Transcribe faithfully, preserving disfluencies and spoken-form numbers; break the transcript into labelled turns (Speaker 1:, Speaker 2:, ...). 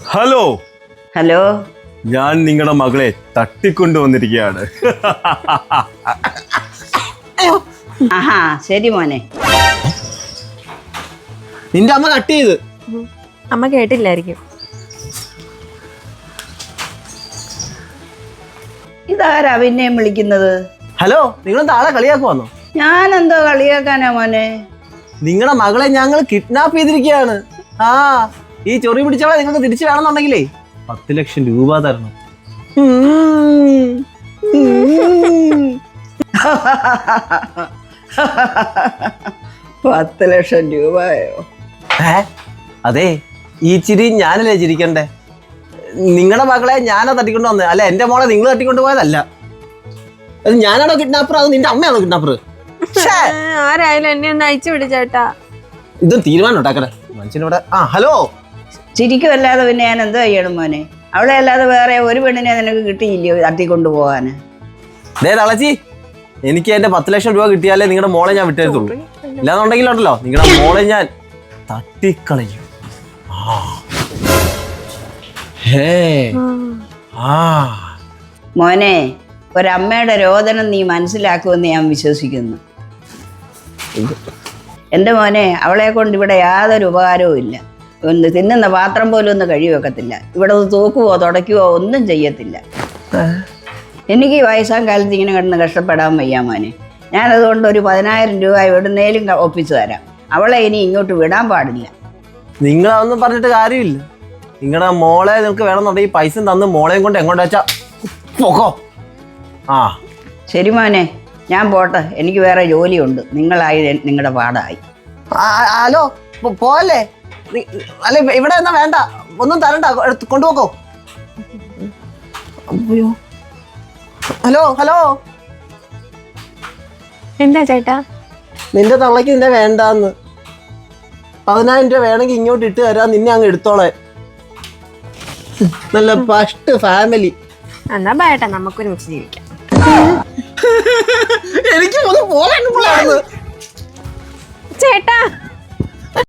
Speaker 1: Hello
Speaker 2: hello,
Speaker 1: ഞാൻ നിങ്ങളുടെ മകളെ തട്ടിക്കൊണ്ടുവന്നിരിക്കുകയാണ്.
Speaker 2: ആഹാ ശരി മോനെ.
Speaker 3: നിന്റെ അമ്മ കട്ട് ചെയ്ത്.
Speaker 4: അമ്മ കേട്ടില്ലായിരിക്കും.
Speaker 2: ഇതാരാ പിന്നെയും വിളിക്കുന്നത്?
Speaker 3: ഹലോ, നിങ്ങൾ താഴെ കളിയാക്കുവാന്നോ?
Speaker 2: ഞാനെന്തോ കളിയാക്കാനാ മോനെ?
Speaker 3: നിങ്ങളുടെ മകളെ ഞങ്ങൾ കിഡ്നാപ്പ് ചെയ്തിരിക്കുകയാണ്. ആ ഈ ചൊറി പിടിച്ചവളെ നിങ്ങൾക്ക് തിരിച്ചു വേണമെന്നുണ്ടെങ്കിലേ പത്ത് ലക്ഷം രൂപ തരണം.
Speaker 2: പത്ത് ലക്ഷം രൂപയോ?
Speaker 3: ഏ അതെ, ഈ ചിരി ഞാനല്ലേ ചിരിക്കണ്ടേ? നിങ്ങളുടെ മകളെ ഞാനാ തട്ടിക്കൊണ്ട് വന്നത്, അല്ല എന്റെ മോളെ നിങ്ങൾ തട്ടിക്കൊണ്ട് പോയതല്ല. അത് ഞാനാണോ കിഡ്നാപ്പർ, അത് നിന്റെ അമ്മയാണോ കിഡ്നാപ്പർ?
Speaker 4: ആരായാലും എന്നെ ഒന്ന് അയച്ചു വിടിച്ചേട്ടാ.
Speaker 3: ഇതും തീരുമാനം ഉണ്ടാക്കണേ മനുഷ്യനോട്. ആ ഹലോ,
Speaker 2: ചിരിക്കുമല്ലാതെ പിന്നെ ഞാൻ എന്തോ ചെയ്യണം മോനെ? അവളെ അല്ലാതെ വേറെ ഒരു പെണ്ണിനെ നിനക്ക് കിട്ടിയില്ലയോ തട്ടിക്കൊണ്ടു പോകാന്?
Speaker 3: ദേ തളച്ചി, എനിക്ക് എന്റെ പത്ത് ലക്ഷം രൂപ കിട്ടിയാലേ നിങ്ങളുടെ മോളെ ഞാൻ വിട്ടേരത്തുള്ളൂ. ഇല്ലാന്നുണ്ടെങ്കിലുണ്ടല്ലോ നിങ്ങളുടെ മോളെ ഞാൻ തട്ടിക്കളയും.
Speaker 2: മോനെ, ഒരമ്മയുടെ രോദനം നീ മനസ്സിലാക്കുമെന്ന് ഞാൻ വിശ്വസിക്കുന്നു. എൻ്റെ മോനെ, അവളെ കൊണ്ട് ഇവിടെ യാതൊരു ഉപകാരവും ഇല്ല. ഒന്ന് തിന്നുന്ന പാത്രം പോലും ഒന്ന് കഴുകി വെക്കത്തില്ല. ഇവിടെ ഒന്ന് തൂക്കുവോ തുടയ്ക്കുവോ ഒന്നും ചെയ്യത്തില്ല. എനിക്ക് ഈ വയസ്സാം കാലത്ത് ഇങ്ങനെ കിടന്ന് കഷ്ടപ്പെടാൻ വയ്യ മോനെ. ഞാനതുകൊണ്ട് ഒരു പതിനായിരം രൂപ എവിടുന്നേലും ഒപ്പിച്ചു തരാം. അവളെ ഇനി ഇങ്ങോട്ട് വിടാൻ പാടില്ല.
Speaker 3: നിങ്ങളതൊന്നും പറഞ്ഞിട്ട് കാര്യമില്ല. നിങ്ങളുടെ മോളെ നിങ്ങൾക്ക് വേണമെന്നുണ്ടെങ്കിൽ പൈസ തന്ന് മോളെയും കൊണ്ട് എങ്ങോട്ട് വെച്ചാ പോക്കോ. ആ
Speaker 2: ശരി മോനെ, ഞാൻ പോട്ടെ. എനിക്ക് വേറെ ജോലിയുണ്ട്. നിങ്ങളായി നിങ്ങളുടെ പാടായി.
Speaker 3: ഹലോ, പോവല്ലേ? അല്ല ഇവിടെ എന്നാ വേണ്ട, ഒന്നും തരണ്ട, കൊണ്ടുപോക്കോ. അയ്യോ, ഹലോ ഹലോ,
Speaker 4: എന്താ ചേട്ടാ?
Speaker 3: നിന്റെ തള്ളക്ക് നിന്നെ വേണ്ടാന്ന്. പതിനായിരം രൂപ വേണമെങ്കിൽ ഇങ്ങോട്ട് ഇട്ട് തരാം, നിന്നെ അങ്ങ് എടുത്തോളെ. നല്ല ഫസ്റ്റ് ഫാമിലി.
Speaker 4: എന്നാ ബേട്ടാ, നമുക്കൊരുമിച്ച് ജീവിക്കാം.
Speaker 3: എനിക്ക് ഒന്ന് പോകാൻ
Speaker 4: ചേട്ടാ